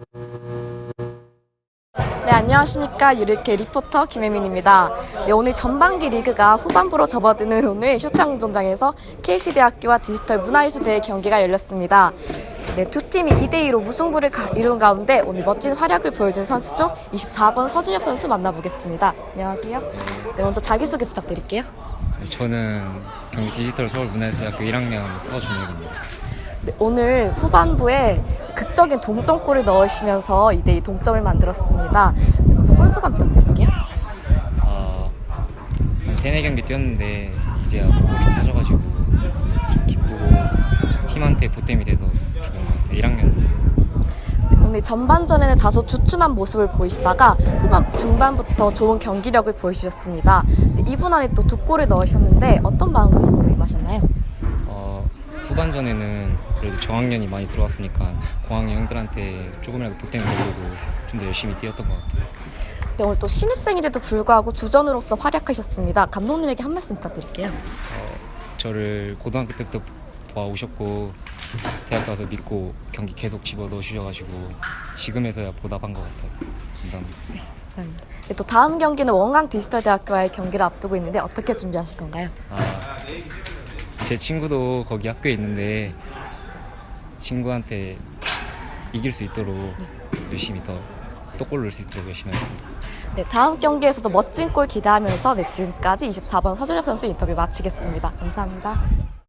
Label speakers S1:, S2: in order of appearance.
S1: 네, 안녕하십니까. 유리케 리포터 김혜민입니다. 네, 오늘 전반기 리그가 후반부로 접어드는 오늘 효창운동장에서 KC대학교와 디지털 문화예술대의 경기가 열렸습니다. 네, 두 팀이 2대2로 무승부를 이룬 가운데 오늘 멋진 활약을 보여준 선수 중 24번 서준혁 선수 만나보겠습니다. 안녕하세요. 네, 먼저 자기소개 부탁드릴게요.
S2: 저는 경기 디지털 서울문화예술대학교 1학년 서준혁입니다.
S1: 네, 오늘 후반부에 극적인 동점골을 넣으시면서 2대2 동점을 만들었습니다. 네, 먼저 골 소감 부탁드릴게요.
S2: 한 3-4경기 뛰었는데 이제야 골이 터져가지고 좀 기쁘고 팀한테 보탬이 돼서 좋은 것 같아요. 1학년으로서.
S1: 오늘 전반전에는 다소 주춤한 모습을 보이시다가 후반 중반부터 좋은 경기력을 보여주셨습니다. 2분 안에 또 2골을 넣으셨는데 어떤 마음가짐으로 임하셨나요?
S2: 후반전에는 그래도 저학년이 많이 들어왔으니까 고학년 형들한테 조금이라도 보탬이 되려고 좀 더 열심히 뛰었던 것 같아요.
S1: 네, 오늘 또 신입생인데도 불구하고 주전으로서 활약하셨습니다. 감독님에게 한 말씀 부탁드릴게요.
S2: 저를 고등학교 때부터 봐오셨고 대학 가서 믿고 경기 계속 집어넣으셔가지고 지금에서야 보답한 것 같아요. 감사합니다.
S1: 감사합니다. 네, 또 다음 경기는 원광 디지털대학교와의 경기를 앞두고 있는데 어떻게 준비하실 건가요?
S2: 제 친구도 거기 학교에 있는데 친구한테 이길 수 있도록 열심히 또 골 넣을 수 있도록 열심히 하겠습니다.
S1: 네, 다음 경기에서도 멋진 골 기대하면서 지금까지 24번 서준혁 선수 인터뷰 마치겠습니다. 감사합니다.